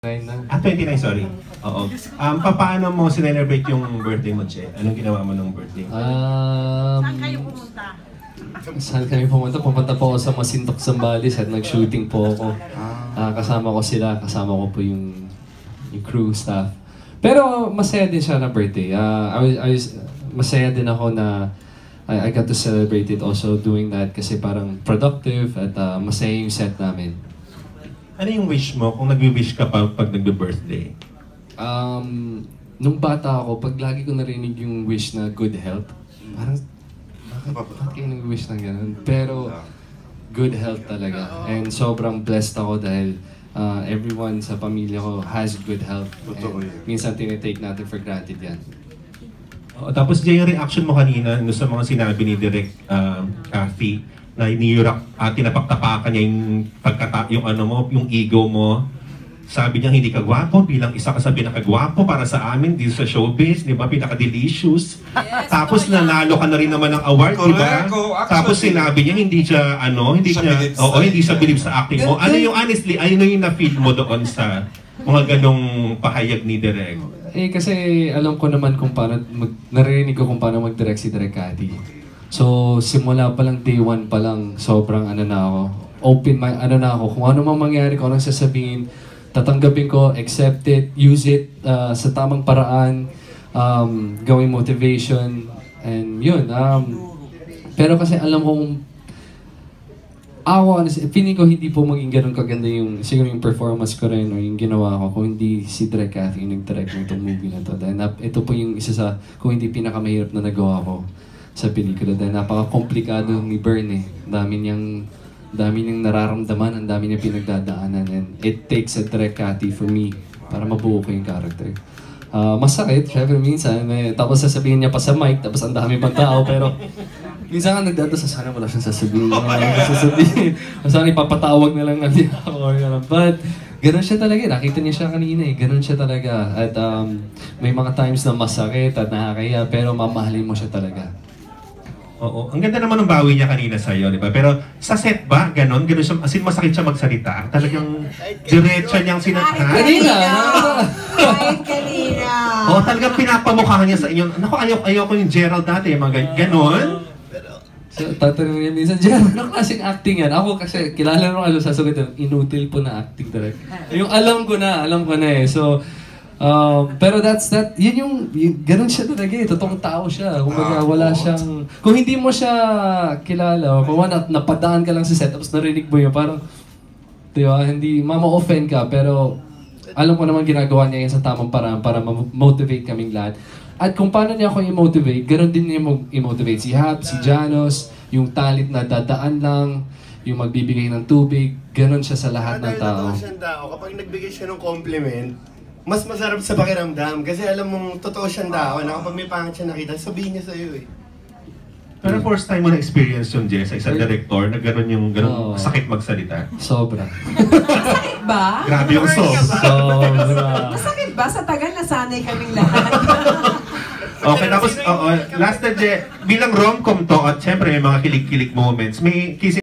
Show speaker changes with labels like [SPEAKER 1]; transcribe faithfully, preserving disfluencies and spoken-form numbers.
[SPEAKER 1] na.
[SPEAKER 2] Ah, twenty-nine, sorry. Oo. Um, pa paano mo sinelebrate yung birthday mo, Che? Anong ginawa mo nung birthday mo?
[SPEAKER 1] Um,
[SPEAKER 3] Saan kayo pumunta?
[SPEAKER 1] Saan kami pumunta? Pumunta po ako sa Masintok, Zambales at nag-shooting po ako. Uh, kasama ko sila, kasama ko po yung, yung crew, staff. Pero masaya din siya na birthday. Uh, I was, I was, masaya din ako na I, I got to celebrate it also doing that kasi parang productive at uh, masaya yung set namin.
[SPEAKER 2] Ano yung wish mo kung nag-wish ka pa pag nag-birthday?
[SPEAKER 1] Um, nung bata ako, pag lagi ko narinig yung wish na good health, parang, bakit, bakit kayo nag-wish ng ganun? Pero, good health talaga. And sobrang blessed ako dahil uh, everyone sa pamilya ko has good health. And minsan tinitake natin for granted yan.
[SPEAKER 2] Oh, tapos Jay, yung reaction mo kanina no, sa mga sinabi ni Direk uh, Cathy, na iniyurak at uh, tinapaktapakan niya yung pagkata yung ano mo, yung ego mo. Sabi niya hindi ka gwapo bilang isa ka sa pinakagwapo para sa amin dito sa showbiz, di ba? Pinaka-delicious. Yes, tapos oh, nanalo ka na rin naman ng award, di ba? Tapos sinabi niya hindi siya ano, hindi siya oo, hindi siya believe sa acting mo. Ano yung honestly, ano yung na-feel mo doon sa mga ganong pahayag ni Direk?
[SPEAKER 1] Eh kasi alam ko naman kung paano mag, narinig ko kung paano mag-direct si Direk Cathy. So, simula pa lang, day one pa lang, sobrang ano na ako, open my, ano na ako, kung ano mang mangyari, kung anong sasabihin, tatanggapin ko, accept it, use it uh, sa tamang paraan, um, gawing motivation, and yun. Um, pero kasi alam kong, ako, feeling ko hindi po maging ganun kaganda yung, siguro yung performance ko rin, o yung ginawa ko, kung hindi si Direk Cathy yung nag-direct ng movie na to. Dahil ito po yung isa sa, kung hindi pinakamahirap na nagawa ko sa pelikula dahil napaka-komplikado ni Bern eh. Dami niyang, dami niyang nararamdaman, ang dami niyang pinagdadaanan and it takes a Direk Cathy for me para mabuo ko yung character. Uh, masakit, syempre minsan, may, tapos sasabihin niya pa sa mic, tapos ang dami pang tao, pero minsan nga nagdadasa, sana wala siyang sasabihin. Uh, sasabihin, sana ipapatawag na lang natin ako or gano'n. But, ganun siya talaga. Nakita niya siya kanina eh. Ganun siya talaga. At um, may mga times na masakit at nakakaya, pero mamahalin mo siya talaga.
[SPEAKER 2] Oo. Ang ganda naman ng bawi niya kanina sa'yo, di ba? Pero sa set ba, ganon? Ganon siya, as in masakit siya magsalita? Talagang diretso niyang sinata?
[SPEAKER 1] Kanina!
[SPEAKER 3] Kahit kanina!
[SPEAKER 2] Oo, talagang pinapamukha niya sa inyo. Naku, ayaw, ayaw ko yung Gerald dati, mga ganon?
[SPEAKER 1] So, tatanungin niya minsan, Gerald, anong klaseng acting yan? Ako kasi, kilala nung ano, sasagot yun, inutil po na acting talaga. Yung alam ko na, alam ko na eh. So, Um, pero that's that, yun yung, yung ganun siya talaga eh, totoong tao siya. Kung baga, wala siyang, kung hindi mo siya kilala, o kung wala, napadaan ka lang sa set, tapos narinig mo yun, parang, diba, hindi, mama-offend ka, pero alam ko naman ginagawa niya yan sa tamang paraan para ma-motivate kaming lahat. At kung paano niya ako i-motivate, ganun din niya i-motivate si Hap, si Janos, yung talent na dadaan lang, yung magbibigay ng tubig, ganun siya sa lahat ng tao.
[SPEAKER 4] Dahil siyang tao, kapag nagbigay siya ng compliment, mas masarap sa pakiramdam kasi alam mong totoo siyang tao na kapag may pangit siya nakita, sabihin niya sa'yo eh.
[SPEAKER 2] Pero first time mo na-experience yung Jess sa isang director na gano'n yung gano'n oh, sakit magsalita?
[SPEAKER 1] Sobra.
[SPEAKER 3] Masakit ba?
[SPEAKER 2] Grabe yung sauce.
[SPEAKER 1] Sobra.
[SPEAKER 3] Masakit ba? Sa tagal nasanay kaming lahat.
[SPEAKER 2] Okay, tapos, oo, last na, Je, bilang rom-com to at syempre may mga kilig-kilig moments, may kissing